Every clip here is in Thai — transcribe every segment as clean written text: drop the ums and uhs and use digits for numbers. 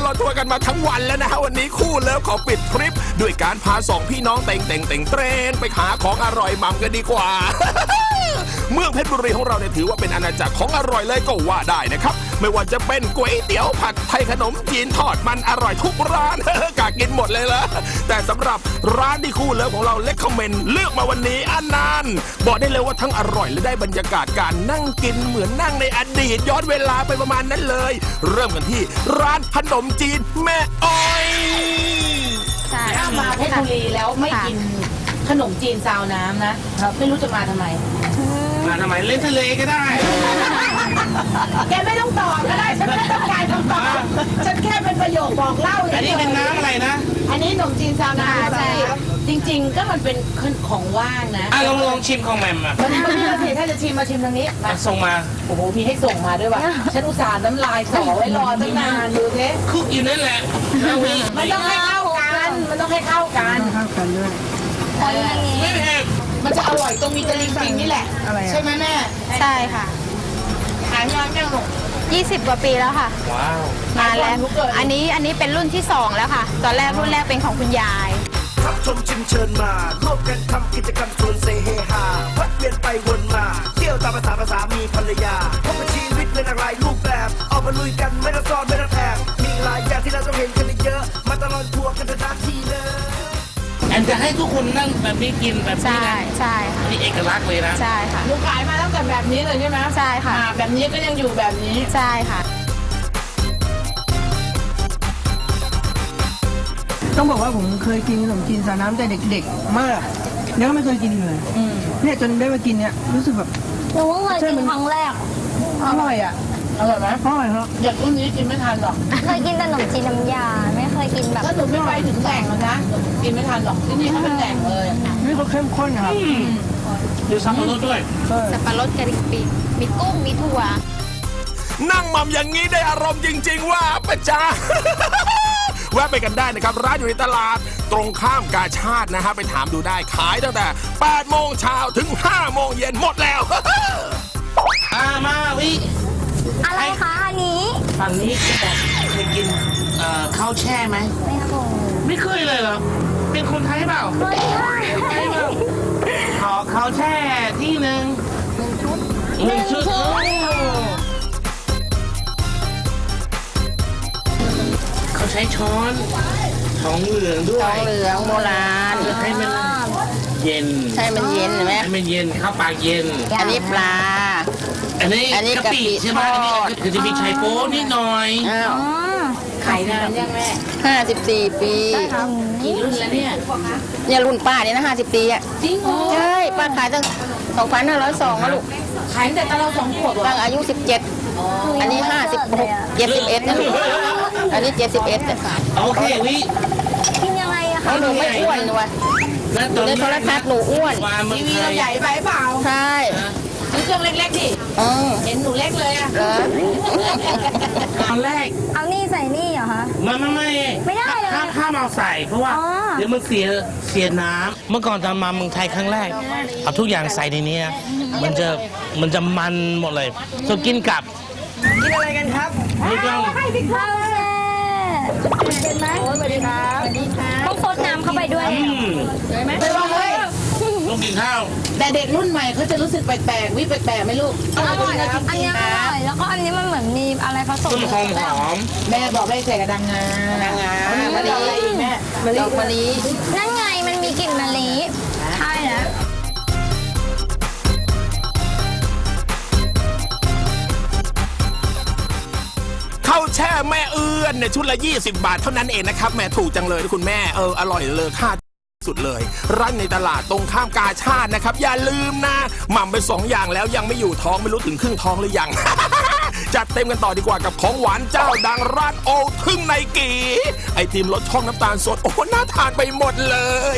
ลอดทัวร์กันมาทั้งวันแล้วนะฮะวันนี้คู่เลิฟขอปิดทริปด้วยการพาสองพี่น้องเต่งเตรงไปหาของอร่อยมั่มกันดีกว่า เมืองเพชรบุรีของเราเนี่ยถือว่าเป็นอาณาจักรของอร่อยเลยก็ว่าได้นะครับไม่ว่าจะเป็นก๋วยเตี๋ยวผัดไทยขนมจีนทอดมันอร่อยทุกร้าน กากินหมดเลยละแต่สำหรับร้านที่คู่เลิฟของเราเล็กคอมเมนต์เลือกมาวันนี้อันนั้นบอกได้เลยว่าทั้งอร่อยและได้บรรยากาศการนั่งกินเหมือนนั่งในอดีตย้อนเวลาไปประมาณนั้นเลยเริ่มกันที่ร้านขนมจีนแม่อ้อยถ้ามาเพชรบุรีแล้วไม่กินขนมจีนซาวน้ำนะไม่รู้จะมาทำไมเล่นทะเลก็ได้แกไม่ต้องตอบก็ได้ฉันไม่ต้องการคำตอบฉันแค่เป็นประโยคบอกเล่าอันนี้เป็นน้ำอะไรนะอันนี้ขนมจีนซาวน้ำใช่จริงๆก็มันเป็นของว่างนะลองชิมของแมมอ่ะวันนี้สิถ้าจะชิมมาชิมทางนี้มาส่งมาโอ้โหมีให้ส่งมาด้วยว่ะฉันอุตส่าห์น้ำลายสอไว้รอตั้งนานดูเท่คุกอยู่นั่นแหละมันต้องให้เข้ากันด้วยไม่เผ็ดมันจะอร่อยตรงมีตะลิงปิงนี่แหละใช่ไหมแม่ใช่ค่ะขายมาแค่หนู 20 กว่าปีแล้วค่ะว้าวมาแล้วอันนี้เป็นรุ่นที่2แล้วค่ะตอนแรกรุ่นแรกเป็นของคุณยายรับชมชิมเชิญมาร่วมกันทำกิจกรรมชวนเซเฮฮาพัดเวียนไปวนมาเที่ยวตามภาษามีภรรยาพบกับชีวิตเป็นอะไรรูปแบบออกมาลุยกันไม่ต้องซ้อนไม่ต้องแอบมีหลายอย่างที่เราต้องเห็นกันเยอะมาตลอดทัวร์กันทันทีเลยแอนจะให้ทุกคนนั่งแบบนี้กินแบบนี้นะใช่ค่ะนี่เอกลักษณ์เลยนะใช่ค่ะลูกขายมาตั้งแต่แบบนี้เลยใช่ไหมใช่ค่ะแบบนี้ก็ยังอยู่แบบนี้ใช่ค่ะต้องบอกว่าผมเคยกินขนมจีนซาวน้ำแต่เด็กๆมากยังไม่เคยกินเลยเนี่ยจนได้มากินเนี่ยรู้สึกแบบหนูเพิ่งเคยกินครั้งแรกอร่อยอ่ะอร่อยไหมอร่อยครับเด็กรุ่นนี้กินไม่ทันหรอกเคยกินแต่ขนมจีนน้ำยาไม่เคยกินแบบถ้าหนูไม่ไปถึงแหล่งแล้วนะกินไม่ทันหรอกที่นี่เขาเป็นแหล่งเลยนี่เขาเข้มข้นครับดูสับปะรดด้วยสับปะรดกะหรี่ปีกมีกุ้งมีถั่วนั่งหม่ำอย่างนี้ได้อารมณ์จริงๆว่าปะจ๊ะ แวะไปกันได้นะครับร้านอยู่ในตลาดตรงข้ามกาชาดนะฮะไปถามดูได้ขายตั้งแต่8 โมงเช้าถึง5 โมงเย็นหมดแล้วมาวิอะไรคะอันนี้ฝั่งนี้เคยกินข้าวแช่ไหมไม่ครับผมไม่เคยเลยเหรอเป็นคนไทยเปล่าไม่ใช่ขอข้าวแช่ที่หนึ่ง1 ชุดเขาใช้ช้อนทองเหลืองด้วยทองเหลืองโบราณให้มันเย็นใช่มันเย็นใช่ไหมให้มันเย็นข้าวปลาเย็นอันนี้ปลาอันนี้กะปิใช่ไหมอันนี้คือจะมีไชโป๊นิดหน่อยขายนานยังแม่ 54 ปีกี่รุ่นแล้วเนี่ยรุ่นป้าเนี่ยนะ50 ปีอ่ะจริงเหรอใช่ป้าขายตั้ง2502นะลูกขายแต่ตอนเรา2 ขวบตั้งอายุ17อันนี้56 71นะลูกอันนี้71 โอเควิกินยังไงอะคะหนูไม่อ้วนเลยวะในโทรทัศน์หนูอ้วนทีวีเราใหญ่ไปเปล่าใช่ซื้อเครื่องเล็กๆดิเห็นหนูเล็กเลยอะตอนแรกเอานี่ใส่นี่เหรอคะไม่ได้เลยห้ามเอาใส่เพราะว่าเดี๋ยวมันเสียน้ำเมื่อก่อนตอนมาเมืองไทยครั้งแรกเอาทุกอย่างใส่ในนี้มันจะมันหมดเลยจะกินกับกินอะไรกันครับนี่ก็ข้าวแช่เป็นไหมสวัสดีครับต้องซดน้ำเข้าไปด้วยสวยไหมไปว่าเฮ้ยต้องกินข้าวแต่เด็กรุ่นใหม่เขาจะรู้สึกแปลกๆวิแปลกๆไหมลูกอร่อยอันนี้อร่อยแล้วก็อันนี้มันเหมือนมีอะไรผสมต้นหอมแม่บอกไม่ใส่กระดังงามะลิแม่ดอกมะลินั่นไงมันมีกลิ่นมะลิใช่นะข้าวแช่แม่เอื้อนเนี่ยชุดละ20 บาทเท่านั้นเองนะครับแม่ถูกจังเลยคุณแม่อร่อยเลยค่าสุดเลยร้านในตลาดตรงข้ามกาชาดนะครับอย่าลืมนะหม่ำไป2 อย่างแล้วยังไม่อยู่ท้องไม่รู้ถึงครึ่งท้องหรือยัง จัดเต็มกันต่อดีกว่ากับของหวานเจ้าดังร้านโอทึ่งในกีไอติมรสช่องน้ำตาลสดโอ้น่าทานไปหมดเลย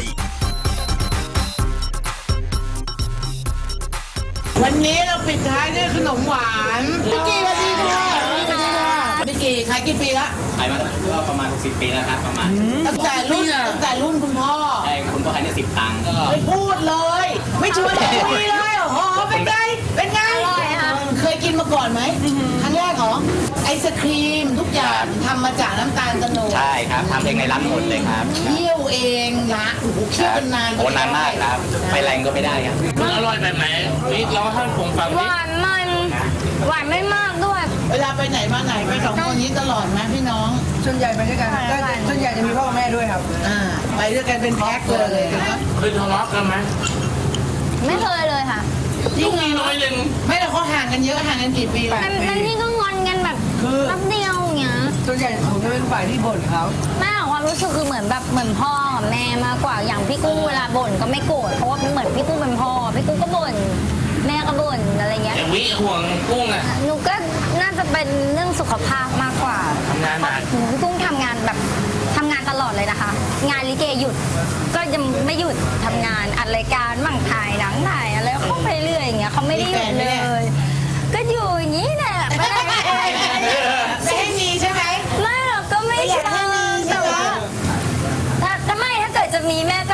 วันนี้เราปิดท้ายด้วยขนมหวานพี่กีสวัสดีค่ะพี่กีขายกี่ปีละขายมาก็ประมาณ60 ปีแล้วครับประมาณตั้งแต่รุ่นคุณพ่อใช่คุณพ่อขายได้10 ตังค์ไม่พูดเลยไม่ชวนคุยเลยโอ้โหเป็นไงเคยกินมาก่อนไหมครั้งแรกเหรอไอศครีมทุกอย่างทำมาจากน้ำตาลโตนดใช่ครับทำเองในร้านหมดเลยครับเคี่ยวเองนะโอ้โหเคี่ยวเป็นนานโอ้นานมากครับไฟแรงก็ไม่ได้ครับมันอร่อยแบบไหนนี่เราให้ผมฟังหดิวานมันหวานไม่มากด้วยเวลาไปไหนมาไหนไปสองคนนี้ตลอดไหมพี่น้องส่วนใหญ่ไปด้วยกันส่วนใหญ่จะมีพ่อกับแม่ด้วยครับไปด้วยกันเป็นแพ็คเลยครับเคยทะเลาะกันไหมไม่เคยเลยค่ะลูกมีน้อยหนึ่งไม่แต่เขาห่างกันเยอะห่างกันกี่ปีมันนี่ก็งอนกันแบบแป๊บเดียวอย่างเงี้ยส่วนใหญ่ผมจะเป็นฝ่ายที่บ่นเขาแม่ของความรู้สึกคือเหมือนแบบเหมือนพ่อกับแม่มากกว่าอย่างพี่กุ้งเวลาบ่นก็ไม่โกรธเพราะว่าเหมือนพี่กุ้งเป็นพ่อพี่กุ้งก็บ่นแม่ก็บ่นอะไรเงี้ยแต่วิห่วงกุ้งอ่ะหนูก็น่าจะเป็นเรื่องสุขภาพมากกว่าทำงานหนักพี่กุ้งทำงานแบบทำงานตลอดเลยนะคะ งานลิเกหยุดก็ยังไม่หยุดทำงานอัดรายการมั่งถ่ายหนังถ่ายอะไรเขาไปเรื่อยอย่างเงี้ยเขาไม่ได้หยุดเลย ก็อยู่อย่างนี้แหละไม่ได้ไม่ให้มีใช่ไหมไม่หรอกก็ไม่เชิงแต่ว่าถ้าไม่ถ้าเกิดจะมีแม่ก็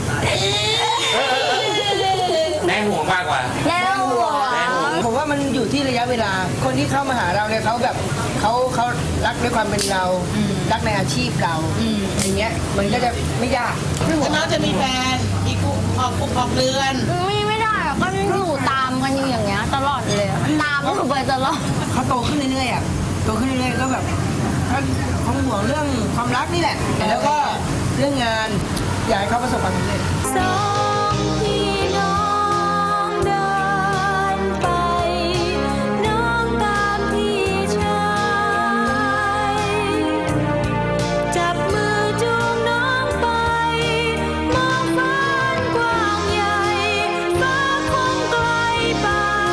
แม่ห่วงมากกว่าแล้วหัวผมว่ามันอยู่ที่ระยะเวลา คนที่เข้ามาหาเราเนี่ยเขาแบบเขารักด้วยความเป็นเรา รักในอาชีพเราอย่างเงี้ยมันก็จะไม่ยากแล้วน้องจะมีแฟนอีกออกเดือนไม่ได้อะก็อยู่ตามกันอยู่อย่างเงี้ยตลอดเลยอะตามก็คือไปตลอดเขาโตขึ้นเรื่อยๆอ่ะโตขึ้นเรื่อยๆก็แบบเขาห่วงเรื่องความรักนี่แหละ แล้วก็เรื่องงานอยากให้เขาประสบความสำเร็จสองพี่น้องเดินไปน้องตามพี่ชายจับมือจูงน้องไปมองฟ้ากว้างใหญ่ฟ้าคงไกลไป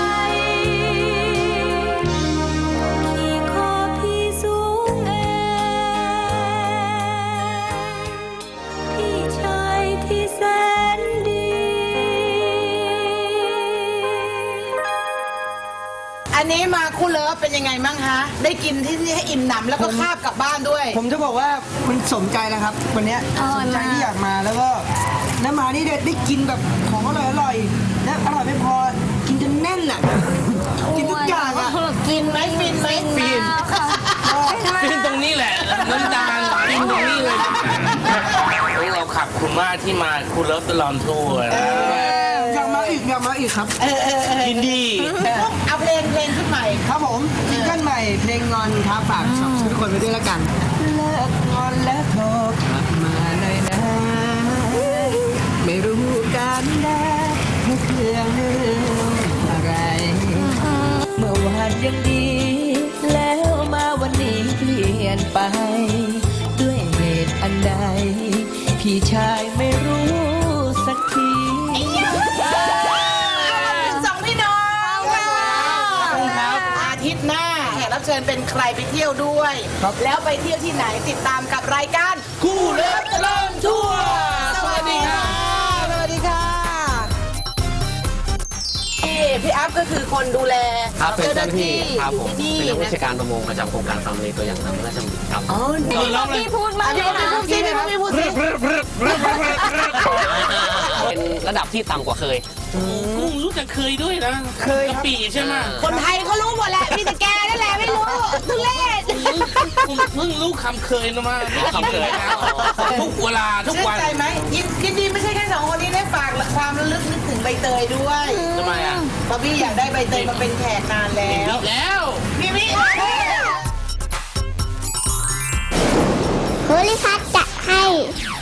ที่คอพี่สูงเองพี่ชายที่แสนดีอันนี้มาคู่เลิฟเป็นยังไงบ้างคะได้กินที่นี่ให้อิ่มหนำแล้วก็คาบกลับบ้านด้วยผมจะบอกว่ามันสมใจแล้วครับ วันเนี้ยอร่สอยมใจมากที่อยากมาแล้วก็น้ำมานี่ได้กินแบบของอร่อยๆและอร่อยไม่พอกินจนแน่นอ่ะกินทุกอย่างอ่ะกินไหมฟินไหมฟินค่ะฟินตรงนี้แหละน้ำตาลฟินตรงนี้เลยเราขับคุณมากที่มาคุณเลิฟตลอดทัวร์นะอยากมาอีกครับยินดีเอาเพลงขึ้นใหม่ครับผมซิงเกิลใหม่เพลงงอนครับฝากทุกคนไปด้วยแล้วกันเลิกงอนแล้วโทรกลับมาหน่อยนะไม่รู้กันนะให้เรื่องเรื่องอะไร เมื่อวานยังดี แล้วมาวันนี้เปลี่ยนไป ด้วยเหตุอันใด พี่ชายไม่รู้สักทีสองพี่น้องครับอาทิตย์หน้าแขกรับเชิญเป็นใครไปเที่ยวด้วย แล้วไปเที่ยวที่ไหนติดตามกับรายการคู่เลิฟตลอดทั่วสวัสดีค่ะสวัสดีค่ะพี่อัพก็คือคนดูแลครับเป็นเจ้าหน้าที่ครับผมที่เป็นนี่นักวิชาการประมงประจำโครงการฟาร์มเลตัวอย่างตามพระราชดำริครับอ๋อพี่พูดมาเดี๋ยวพูดสิพี่พูดสิเป็นระดับที่ต่ำกว่าเคยกุ้งรู้จักเคยด้วยนะเคยครับกะปิใช่ไหมคนไทยเขารู้หมดแหละมีแต่แกนั่นแหละไม่รู้ทุเรศผมเพิ่งรู้คำเคยนะมาคำเคยนะทุกเวลาทุกชื่นวันใจไหมยินดีไม่ใช่แค่สองคนนี้ได้ฝากความระลึกนึกถึงใบเตยด้วยทำไมอ่ะเพราะพี่อยากได้ใบเตยมาเป็นแขกนานแล้วอีกแล้วพี่วิโพลิพัทจะให้